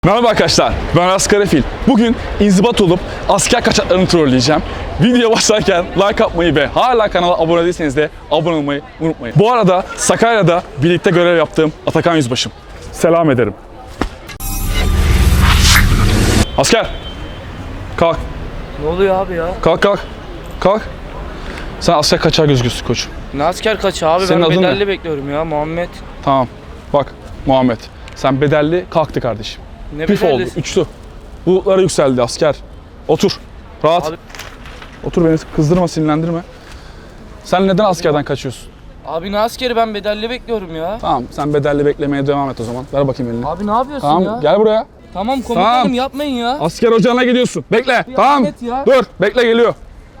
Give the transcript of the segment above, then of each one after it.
Merhaba arkadaşlar, ben Aras Karafil. Bugün inzibat olup asker kaçaklarını trolleyeceğim. Video başlarken like atmayı ve hala kanala abone değilseniz de abone olmayı unutmayın. Bu arada Sakarya'da birlikte görev yaptığım Atakan Yüzbaşım. Selam ederim. Asker! Kalk. Ne oluyor abi ya? Kalk kalk. Kalk. Sen asker kaçağı gözüküyorsun koçum. Ne asker kaçı abi? Senin Ben adın bedelli ne? bekliyorum ya Muhammed. Tamam. Bak Muhammed. Sen bedelli kalktı kardeşim. Ne Pif oldu, bedellisi? uçtu. Bulutlara yükseldi asker. Otur. Rahat. Abi- Otur, beni kızdırma, sinirlendirme. Sen neden askerden kaçıyorsun? Abi ne askeri, ben bedelli bekliyorum ya. Tamam, sen bedelli beklemeye devam et o zaman. Ver bakayım elini. Abi ne yapıyorsun Tamam, ya? gel buraya. Tamam komutanım, Tamam. yapmayın ya. Asker ocağına gidiyorsun. Bekle. Bir Tamam. Ahmet ya. Dur, bekle, geliyor.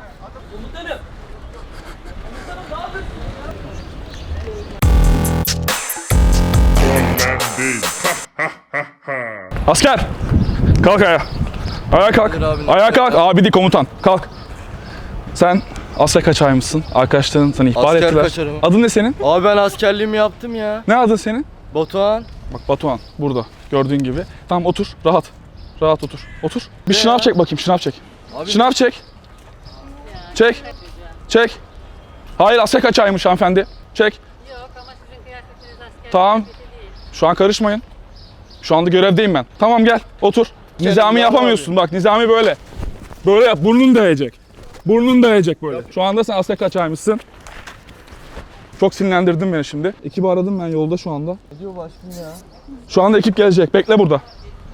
Asker! Kalk ayağa. Ayağa kalk. Dur abi, Ayağa kalk. Abi değil, komutan. Kalk. Sen asker kaçağıymışsın. Arkadaşların seni ihbar Asker ettiler. kaçarım. Adın ne senin? Abi ben askerliğimi yaptım ya. Ne adın senin? Batuhan. Bak Batuhan burada gördüğün gibi. Tamam, otur, rahat. Rahat otur. Otur. Bir Ne şınav ya? çek bakayım, şınav çek. Abi Şınav çek. Çek. Çek. Hayır, asker kaçağıymış hanımefendi. Çek. Yok ama sizin kıyafetiniz asker Tamam. kıyafeti değil. Şu an karışmayın. Şu anda görevdeyim ben. Tamam, gel otur. Nizami ya yapamıyorsun bak, nizami böyle. Böyle yap, burnun değecek. Burnun değecek böyle. Şu anda sen asker kaçağıymışsın. Çok sinirlendirdin beni şimdi. Ekibi aradım ben yolda şu anda. ne diyor başkanım ya? Şu anda ekip gelecek. Bekle burada.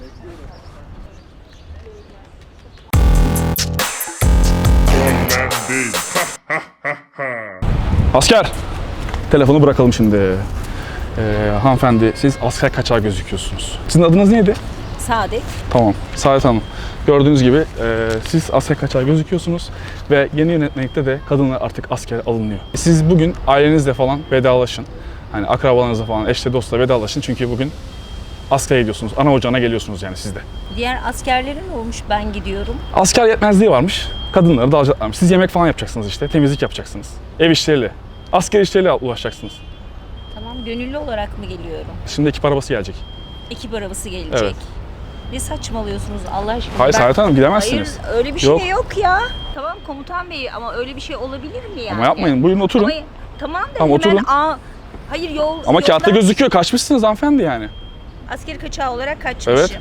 Asker! Telefonu bırakalım şimdi. Hanımefendi, siz asker kaçağı gözüküyorsunuz. Sizin adınız neydi? Saadet. Tamam, Saadet Hanım. Gördüğünüz gibi siz asker kaçağı gözüküyorsunuz ve yeni yönetmelikte de kadınlar artık askere alınıyor. Siz bugün ailenizle falan vedalaşın. Hani akrabalarınızla falan, eşle dostla vedalaşın çünkü bugün askere gidiyorsunuz. Ana ocağına geliyorsunuz yani siz de. Diğer askerlerin olmuş, ben gidiyorum. Asker yetmezliği varmış. Kadınları da alacaklarmış. Siz yemek falan yapacaksınız işte. Temizlik yapacaksınız. Ev işleriyle. Asker işleriyle uğraşacaksınız. Tamam, gönüllü olarak mı geliyorum? Şimdi ekip arabası gelecek. Ekip arabası gelecek. Evet. Ne saçmalıyorsunuz Allah aşkına? Hayır Saadet Hanım, gidemezsiniz. Hayır, öyle bir Yok. şey yok ya. Tamam komutan bey, ama öyle bir şey olabilir mi yani? Ama yapmayın. Buyurun oturun. Ama, tamam da Tamam, hemen, oturun. hayır Ama kağıtta yoldan gözüküyor. Kaçmışsınız hanımefendi yani. askeri kaçağı olarak kaçmışım. Evet.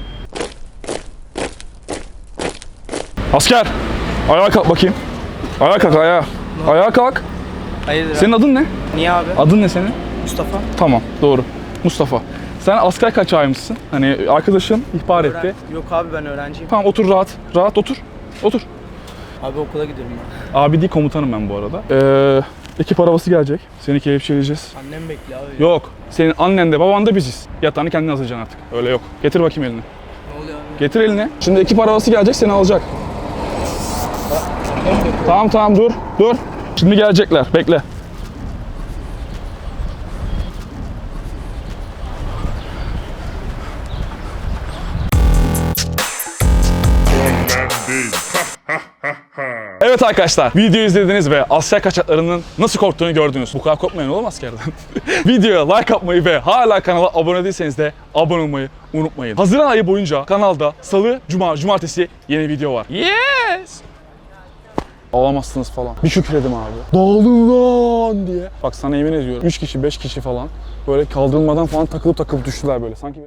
Asker! Ayağa kalk bakayım. Ayağa kalk, ayağa. Ayağa kalk. Hayırdır Senin adın ne? Niye abi? Adın ne senin? Mustafa. Tamam, doğru. Mustafa. Sen asker kaçağıymışsın. Hani arkadaşın ihbar etti. Yok abi, ben öğrenciyim. Tamam, otur rahat. Rahat otur. Otur. Abi okula gidiyorum ben. Abi değil, komutanım ben bu arada. Ekip arabası gelecek. Seni kelepçeleyeceğiz. Annem bekliyor abi. Yok. Senin annen de baban da biziz. Yatağını kendin hazırlayacaksın artık. Öyle yok. Getir bakayım elini. Ne oluyor abi? Getir elini. Şimdi ekip arabası gelecek, seni alacak. Tamam tamam, dur. Dur. Şimdi gelecekler. Bekle. Evet arkadaşlar, videoyu izlediniz ve asker kaçaklarının nasıl korktuğunu gördünüz. Bu kadar korkmayın oğlum askerden. Videoya like atmayı ve hala kanala abone değilseniz de abone olmayı unutmayın. Haziran ayı boyunca kanalda salı, cuma, cumartesi yeni video var. Yes! Ağlamazsınız falan. Bir şükredim abi. Dağılın lan diye. Bak sana yemin ediyorum. 3 kişi, 5 kişi falan böyle kaldırılmadan falan takılıp düştüler böyle. Sanki